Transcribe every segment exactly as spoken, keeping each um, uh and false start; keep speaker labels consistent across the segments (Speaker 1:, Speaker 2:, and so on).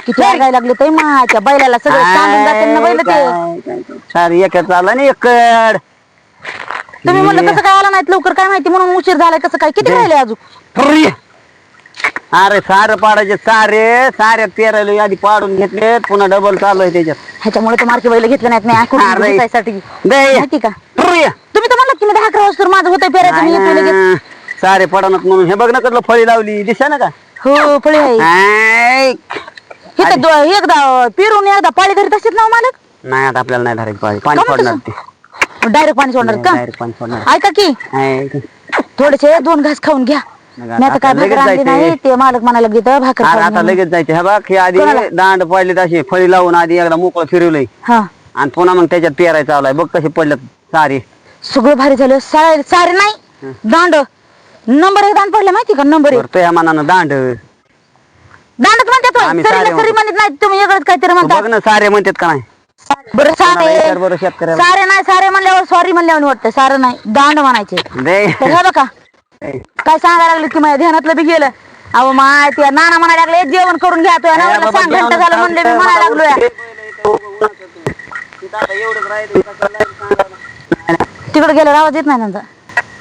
Speaker 1: किती लागायला लागले ते माझ्या बैलाला सगळं सांगून जाते ना बैल ते
Speaker 2: सारी एक चालला ना एकड.
Speaker 1: तुम्ही म्हणलं कसं काय आला नाहीत लवकर काय माहिती म्हणून उशीर झालाय कसं काय किती राहिले अजून.
Speaker 2: अरे सारे पाडायचे सारे सारे पेरायला आधी पाडून घेतले पुन्हा डबल चालू आहे त्याच्यात.
Speaker 1: ह्याच्यामुळे तर मार्के बैल घेतले नाहीत नाही साठी माहिती का तुम्ही तर म्हणलं की मी दहा अकरा वाजता माझं होतं पेरायचं मी येतोय लगेच.
Speaker 2: सारे पडणार म्हणून हे बघ ना कसलं फळी लावली दिसा ना का.
Speaker 1: हो फळी आहे एकदा पिरून एकदा पाळी धरीत असतात ना मालक.
Speaker 2: नाही आता आपल्याला नाही धरायची पाळी पाणी सोडणार ते
Speaker 1: डायरेक्ट पाणी सोडणार का
Speaker 2: डायरेक्ट पाणी सोडणार.
Speaker 1: ऐका की थोडेसे दोन घास खाऊन घ्या. मी आता काय भाकर आणली नाही ते मालक म्हणायला घेतं भाकर
Speaker 2: आता लगेच जायचे हे बघ हे आधी दांड पडले तशी फळी लावून आधी एकदा मोकळं फिरवलंय
Speaker 1: हा
Speaker 2: आणि पुन्हा मग त्याच्यात पेरायचं आलाय बघ कसे पडल्यात सारे.
Speaker 1: सगळं भारी झालं सारे सारे नाही दांड नंबर एक दांड पडले माहिती का नंबर एक.
Speaker 2: तो या मनानं दांड
Speaker 1: दांडच म्हणतात सरी म्हणत नाही तुम्ही वेगळंच काहीतरी म्हणता.
Speaker 2: बघ ना सारे म्हणतात का नाही.
Speaker 1: बरं सारे
Speaker 2: बरं शेतकऱ्याला
Speaker 1: सारे नाही सारे म्हणल्यावर सॉरी म्हणल्यावर वाटतं सारं नाही दांड म्हणायचे. तर हे बघा काय सांगायला लागले की माझ्या ध्यानातलं बी गेलं. अहो माय ते नाना म्हणायला लागले जेवण करून घ्या तो नवऱ्याला सांग घंटा झालं म्हणले मी म्हणायला लागलोय. तिकडे गेलं आवाज येत नाही त्यांचा.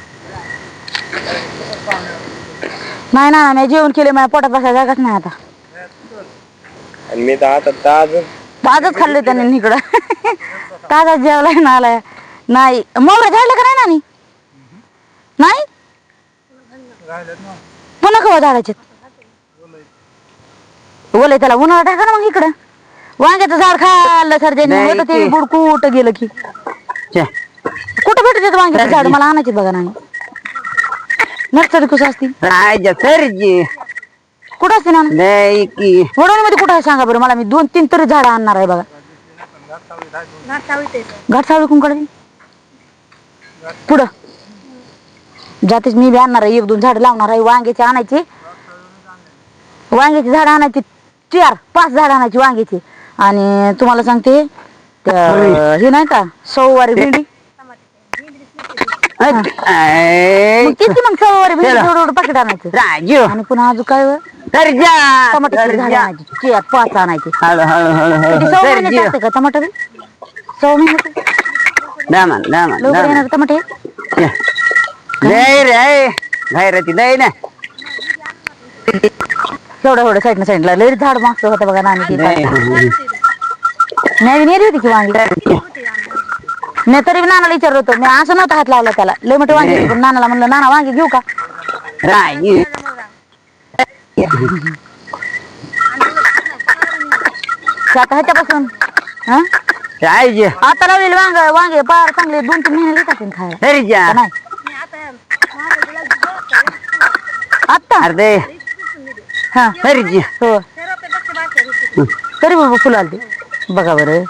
Speaker 1: नाही ना मी जेवण केले माझ्या पोटात बसायला जागाच नाही आता.
Speaker 3: मी तर आता ताज
Speaker 1: ताजच खाल्ले त्यांनी इकडं ताजाच जेवलाय ना आलाय. नाही मोगरा झाडलं का नाही नानी नाही पुन्हा कवा झाडाचे बोलाय त्याला उन्हाळा टाका ना मग इकडं. वांग्याचं झाड खाल्लं सर ज्यांनी ते बुडकूट गेलं की कुठं भेटत वांग्याचं झाड मला आणायचे बघा नाही नर्सरी कुठं असती कुठं असते ना वडवणीमध्ये कुठं आहे सांगा बरं मला. मी दोन तीन तरी झाडं आणणार आहे बघा. घाटसावळी कुंकडे पुढं जातेच मी बी आणणार आहे एक दोन झाड लावणार आहे वांग्याची आणायची वांग्याची झाड आणायची चार पाच झाड आणायची वांग्याची. आणि तुम्हाला सांगते हे नाही का सव्वारी भेंडी किती मग सव्वारी भेंडी एवढं पाकिट आणायचं आणि पुन्हा अजून काय टमाटर झाड आणायची चार पाच आणायची. सव्वा महिन्यात असते का टमाटर सव्वा महिन्यात लवकर येणार टमाटे एवढं एवढं साईडनं साईडला लई झाड मागचं होतं बघा नानी नाही नेली होती की वांगी. मी तरी नानाला विचारलं होतं मी असं नव्हतं हात लावला त्याला लय मोठे वांगी पण नानाला म्हणलं नाना वांगी घेऊ का. आता ह्याच्यापासून हा आता लावलेले वांग वांगे पार चांगले दोन तीन महिने येतात खायला नाही आता अर्धे हा हो तरी बाबा फुलं आलते बघा बरं.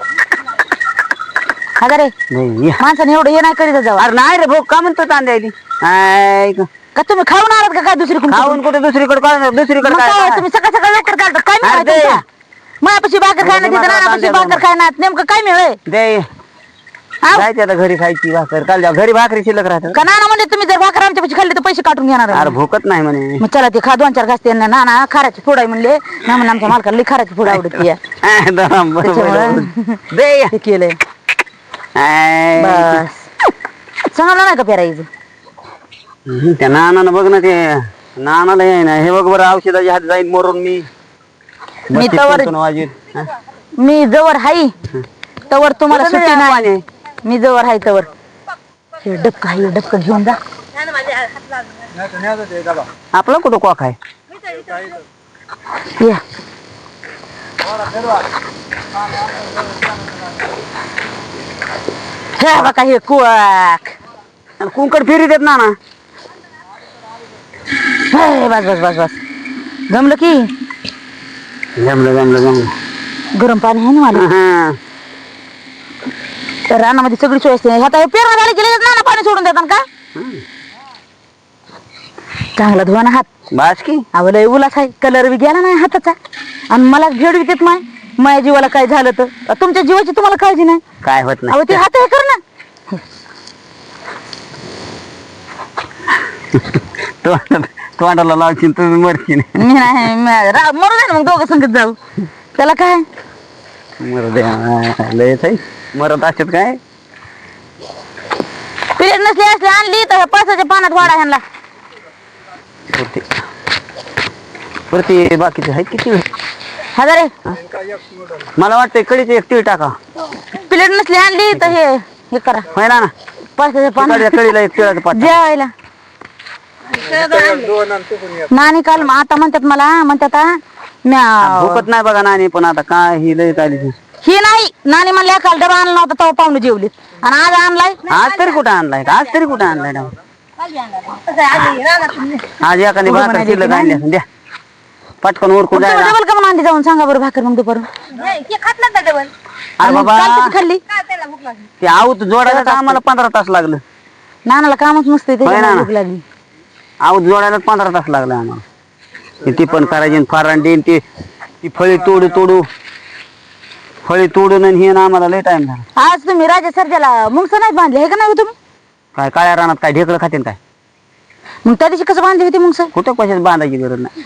Speaker 1: अगं रे माणसाने एवढं हे नाही करीत जाऊ.
Speaker 2: अरे नाही रे भाऊ का म्हणतो तांदळी
Speaker 1: का तुम्ही खाऊन आलात का काय दुसरीकडे
Speaker 2: खाऊन कुठे दुसरीकडे दुसरीकडे
Speaker 1: तुम्ही सकाळ सकाळ लवकर चालतात काय मिळालं माझ्यापाशी भाकर खायला तिथं नानापाशी भाकर खायला नेमकं काय मिळेल
Speaker 2: दे जायचे आता घरी खायची भाकर काल घरी भाकरी शिल्लक राहतात
Speaker 1: का नाना म्हणजे तुम्ही जर भाकर आमच्यापाशी खाल्ली तर पैसे काटून घेणार.
Speaker 2: अरे भूकत नाही म्हणे
Speaker 1: मग चला ते खा दोन चार घास ते नाना खाराची फोड आहे म्हणले ना म्हणून आमच्या मालकाला खाराची फोड आवडते ते केलंय बस सांगलं नाही का पेरायचं.
Speaker 2: त्या नानानं बघ ना ते नानाला आहे ना हे बघ बरं औषधाच्या हात जाईल मरून मी
Speaker 1: मी तवर मी जवळ हाई तवर तुम्हाला सुट्टी नाही. मी जवळ हाय तवर हे डबका हे डबका घेऊन जा
Speaker 2: आपला कुठं कॉक आहे
Speaker 1: या हे बघा हे कुवाक
Speaker 2: कुंकड फिरी देत ना ना
Speaker 1: बस बस बस बस जमलं की
Speaker 2: जमलं जमलं जमलं
Speaker 1: गरम पाणी आहे ना मला तर रानामध्ये सगळी सोय असते. आता हे पेरणा झाली गेले ना पाणी सोडून देतात का चांगला धुवा ना हात
Speaker 2: बास की
Speaker 1: आवलय उलास आहे कलर बी गेला नाही हाताचा आणि मला भेड विकत माय माझ्या जीवाला काय झालं तर तुमच्या जीवाची तुम्हाला काळजी नाही
Speaker 2: काय होत नाही.
Speaker 1: अहो ते हात हे कर ना
Speaker 2: तोंडाला लावशील तुम्ही मरशील.
Speaker 1: मी नाही मी- रा- मरू दे ना मग दोघं संगत जाऊ त्याला काय.
Speaker 2: मरू द्या लयच आहे मरत असतात काय.
Speaker 1: पिरियड नसली असली आणली तर ह्या पळसाच्या पानात वाडा ह्यांना.
Speaker 2: पुरते पुरते बाकीचे आहेत किती
Speaker 1: हजारे
Speaker 2: मला वाटतंय कडीचे एक तीळ टाका.
Speaker 1: पिरियड नसली आणली तर हे हे करा
Speaker 2: होय ना ना
Speaker 1: पळसाच्या पानात
Speaker 2: तिकडच्या कडीला एक तिळाचं पाठ.
Speaker 1: जेवायला.
Speaker 3: दोन आणि तू पण एक.
Speaker 1: नानी काल आता म्हणतात मला म्हणतात हा, म्या-
Speaker 2: भूकत नाही बघा नानी पण आता काय ही लय आली.
Speaker 1: ही नाही नानी म्हणल्या काल डबा आणला नव्हता तेव्हा पाहुणे जेवलीत आणि आज आणलाय.
Speaker 2: आज तरी कुठं आणलाय आज तरी कुठं आणलाय ना आज एखादी भाकर शिल्लक आणली असेल द्या पटकन उरकून जायला.
Speaker 1: डबल का म्हणून आणली जाऊन सांगा बरं भाकर मग दुपारून.
Speaker 2: अरे बाबा
Speaker 1: काल कशी खाल्ली
Speaker 2: ते आऊत जोडायला तर आम्हाला पंधरा तास लागलं.
Speaker 1: नानाला कामच नसते
Speaker 2: होय ना.
Speaker 1: त्याच्यामुळे भूक लागली.
Speaker 2: आऊत जोडायला पंधरा तास लागला आम्हाला. ती पण करायची फारांडी ती ती फळी तोडू तोडू फळी तोडून आणि हे ना आम्हाला लय टाइम झाला.
Speaker 1: आज तुम्ही राजा सर्जाला मुंगस नाही बांधले हे का नाही हो तुम्ही.
Speaker 2: काय काळ्या रानात काय ढेकळं खातील काय.
Speaker 1: मग त्या दिवशी कसं बांधली होती मुंगस.
Speaker 2: कुठं कशात बांधायची गरज नाही.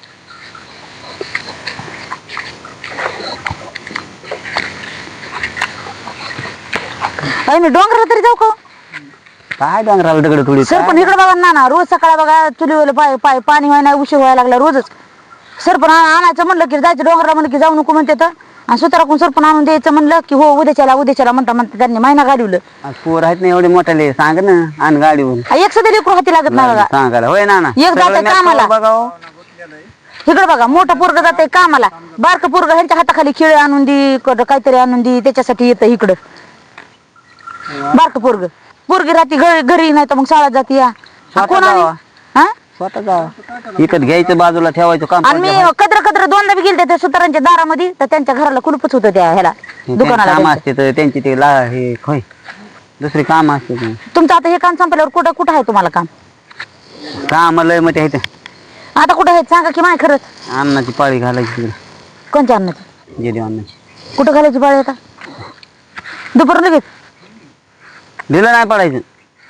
Speaker 1: अरे मी डोंगराला तरी जाऊ का.
Speaker 2: काय डोंगराला दगड थोडी
Speaker 1: सर पण इकडे बघा ना ना रोज सकाळी बघा चुलीवर पाय पाय पाणी व्हायला उशीर व्हायला लागला रोजच. सरपण आणायचं म्हणलं की जायचं डोंगराला म्हणलं की जाऊ नको म्हणते तर आणि सुताराकून सरपण आणून द्यायचं म्हणलं की हो उद्याच्याला उद्याच्याला म्हणता म्हणता त्यांनी महिना गाडीवलं.
Speaker 2: पोर आहेत ना एवढे मोठ्याले सांग ना आण गाडीवरून
Speaker 1: एक सध्या लेकरू हाती लागत नाही बघा.
Speaker 2: सांगायला होय ना ना
Speaker 1: एक जातंय
Speaker 2: सगळं
Speaker 1: कामाला.
Speaker 2: मॅच बघा हो.
Speaker 1: इकडे बघा मोठं पोरग जाते कामाला बारकं पोरग ह्यांच्या हाताखाली खेळ आणून दी क- काहीतरी आणून दी त्याच्यासाठी येतं इकडं. बारकं पोरग पोरगी राहते घरी घरी नाही तर मग शाळेत जाते या
Speaker 2: स्वतः
Speaker 1: कोण आणि
Speaker 2: जावा.
Speaker 1: हा
Speaker 2: स्वतः जा इकत घ्यायचं बाजूला ठेवायचं काम
Speaker 1: आणि मी कद्र कद्र दोनदा बी गेलते त्या सुतारांच्या दारामध्ये तर त्यांच्या घराला कुलूपच होतं त्या ह्याला दुकानाला
Speaker 2: काम
Speaker 1: त्यांच्या.
Speaker 2: असते तर त्यांची ते ला हे होय दुसरी काम असते ते.
Speaker 1: तुमचं आता हे काम संपल्यावर कुठं कुठं आहे तुम्हाला काम
Speaker 2: काम लय मग ते
Speaker 1: आता कुठं आहे सांगा की माय खरंच.
Speaker 2: अन्नाची पाळी घालायची तिकडे
Speaker 1: कोणत्या अन्नाची
Speaker 2: जेली अन्नाची
Speaker 1: कुठं घालायची पाळी आता दुपारून लगेच.
Speaker 2: दिलं नाही पडायचं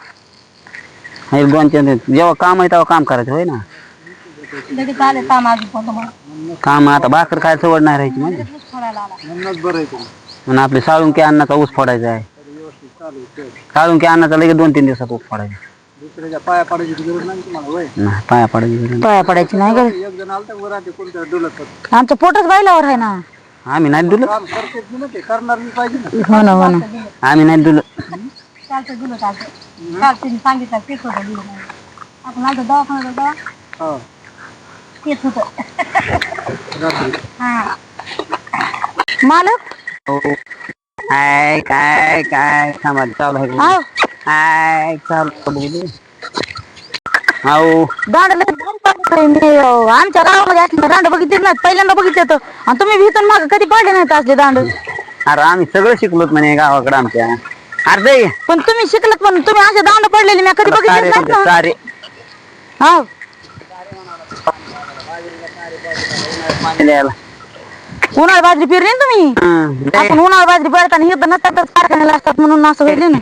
Speaker 2: एक दोन चार दिवस. जेव्हा काम आहे तेव्हा काम करायचं होय ना. काम आता भाकर काय सवड नाही राहायची म्हणजे म्हणून आपले साळुंकी अन्नाचा ऊस फोडायचा आहे. साळुंकी अन्नाचा लगेच दोन तीन दिवसात ऊस फोडायचा.
Speaker 3: पाया पडायची गरज नाही तुम्हाला होय.
Speaker 2: नाही पाया पडायची गरज नाही.
Speaker 1: पाया पडायची नाही गं.
Speaker 3: एक जण आलता वर आधी कोणत्या डुलत
Speaker 1: आमचं पोटच बायलावर आहे ना.
Speaker 2: आम्ही नाही दुल
Speaker 3: काम करतेच ना ते करणार मी पाहिजे ना.
Speaker 1: हो ना हो ना
Speaker 2: आम्ही नाही दुल
Speaker 3: हो.
Speaker 1: मालक
Speaker 2: काय काय काय समाज चालू आहे
Speaker 1: आव
Speaker 2: काय चालू बघू हो
Speaker 1: दांडला मी अं, आमच्या गावामध्ये असले दांड बघितले नाही पहिल्यांदा बघितले तर आणि तुम्ही भीतून माग कधी पाडले नाहीत असले दांड.
Speaker 2: अरे आम्ही सगळं शिकलोत म्हणे गावाकडे आमच्या. अरे
Speaker 1: पण तुम्ही शिकलात पण तुम्ही असे दांड पडलेले मी कधी बघितले
Speaker 2: सारे
Speaker 1: नाहीत ना.
Speaker 2: सारे
Speaker 1: हाव
Speaker 2: द्यायला.
Speaker 1: उन्हाळ बाजरी पेरली ना तुम्ही.
Speaker 2: हं, दे.
Speaker 1: आपण उन्हाळ बाजरी पेरताना हे तर नसतात कारखान्याला असतात म्हणून असं होईल ना.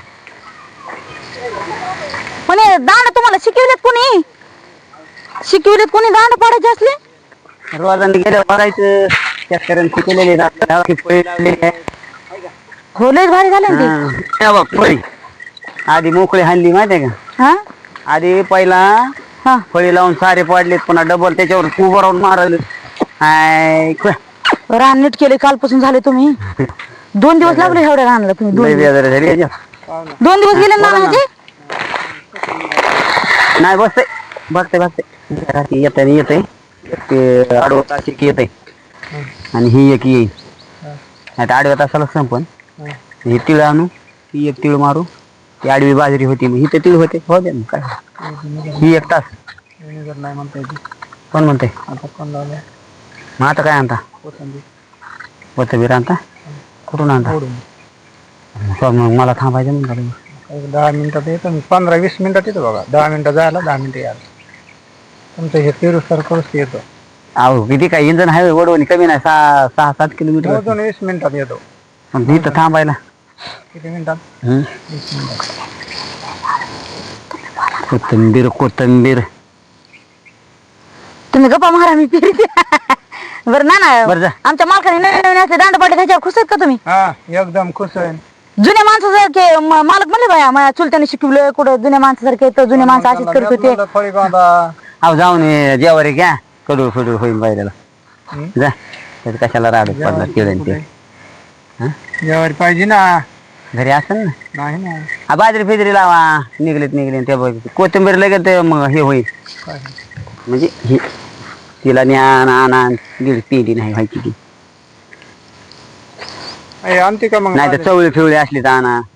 Speaker 1: पण हे दांड तुम्हाला शिकवलेत कोणी शिकवलेत कोणी दांड पाडायचे असले.
Speaker 2: रोजाने गेलं बघायचं शेतकऱ्यांनी शिकलेले जातात फळी लावलेली आहे.
Speaker 1: हो लयच भारी झाले ना ते.
Speaker 2: हं, हे बघ, फळी आधी मोकळी हाणली माहितीये का.
Speaker 1: हा
Speaker 2: आधी पहिला
Speaker 1: हा
Speaker 2: फळी लावून सारे पाडलेत पुन्हा डबल त्याच्यावर उभं राहून मारले. हाय क-
Speaker 1: रान नीट केले कालपासून झाले तुम्ही. दोन दिवस लागले एवढ्या रानाला तुम्ही. दोन
Speaker 2: लय
Speaker 1: दिवस
Speaker 2: बेजार झाली याच्यात.
Speaker 1: दोन दिवस गेले ना म्हणजे
Speaker 2: नाही बसते बसते बसते येत येते ते आडवं तास एक येते आणि ही एक येईल नाही तर आडव्या तासाला संपन. हे तिळ आणू ही एक तिळ मारू ती आडवी बाजरी होती ही तर तिळ होते हो दे ना काय ही एक तास
Speaker 3: नाही म्हणता येते.
Speaker 2: कोण म्हणते
Speaker 3: आता कोण लावलं
Speaker 2: मग आता काय आणता
Speaker 3: कोथिंबीर
Speaker 2: कोथिंबीर आणता कुठून आणता
Speaker 3: फोडून.
Speaker 2: तर मग मला थांबायचं म्हणलं
Speaker 3: एक दहा मिनिटात येतो मी पंधरा वीस मिनिटात येतो बघा. दहा मिनिटं जायला दहा मिनिटं यायला तुमचं हे तेरू सर करूच येतो.
Speaker 2: अहो किती काय इंजन हायवे वडवणी कमी नाही सहा सहा सात किलोमीटर
Speaker 3: दोन वीस मिनिटात येतो.
Speaker 2: पण इथं थांबायला
Speaker 3: किती मिनिटात
Speaker 2: हं?
Speaker 3: वीस मिनिटात.
Speaker 2: कोथिंबीर कोथिंबीर
Speaker 1: तुम्ही गप्पा मारा मी फिरते बरं ना ना
Speaker 2: बरं जा.
Speaker 1: आमच्या मालकाने नवीन नवीन असले दांड पडले त्याच्यावर खुश आहेत का तुम्ही
Speaker 3: हा एकदम खुश आहे
Speaker 1: जुन्या माणसासारखे म- मालक म्हणले बाया माझ्या चुलत्याने शिकवलं कुठं जुन्या माणसासारखे तर जुन्या माणसं अशीच करत होते
Speaker 3: म्हणलं फळी बांधा
Speaker 2: अहो जाऊन ये, जेवारी घ्या कडू फडू होईल बायला
Speaker 3: हं?
Speaker 2: जा त्याचं कशाला राडत पडला केळं ते हं?
Speaker 3: जेवारी पाहिजे ना
Speaker 2: घरी असेल ना
Speaker 3: नाही ना
Speaker 2: हा बाजरी फिजरी लावा निघलेत निघले ते बघ कोथिंबीर लगेच ते मग हे होईल
Speaker 3: काय?
Speaker 2: म्हणजे ही तिला ज्ञान आणा दीड पिढी नाही व्हायची ती
Speaker 3: ए, आणते का मग
Speaker 2: नाही तर चवळी फिवळी असली तर आणा